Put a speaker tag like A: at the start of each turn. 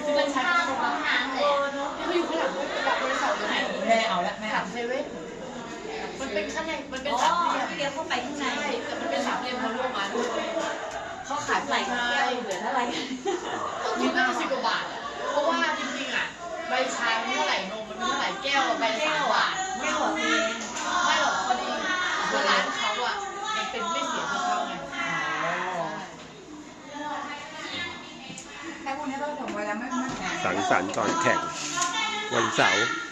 A: มันใช้ตรงนั้นเลยเขาอยู่ข้างหลังบริษัทเลยแม่เอาละแม่หลังเซเว่นมันเป็นข้างในมันเป็นสามเหลี่ยม
B: เดี๋ยวเข้าไปข้างใน
A: ใช่แต่มันเป็นสามเหลี่ยมเขาร่วมมา
B: เขาขายใส่แก้วเหลือเท่าไหร่
A: คิดว่า10 กว่าบาทเพราะว่าจริงๆอ่ะใบชามันเท่าไหร่นมมันเท่าไหร่แก้วใบละ3 บาท
B: ไม่หรอกเอง
A: ไม่หรอกพอดีคือร้านเขาอ่ะมันเป็นไม่เสียค่าเข้าไง
C: แต่พวกนี้เราส่งไปแล้วไม่แพง
D: สังสรรค์ก่อนแข่งวันเสาร์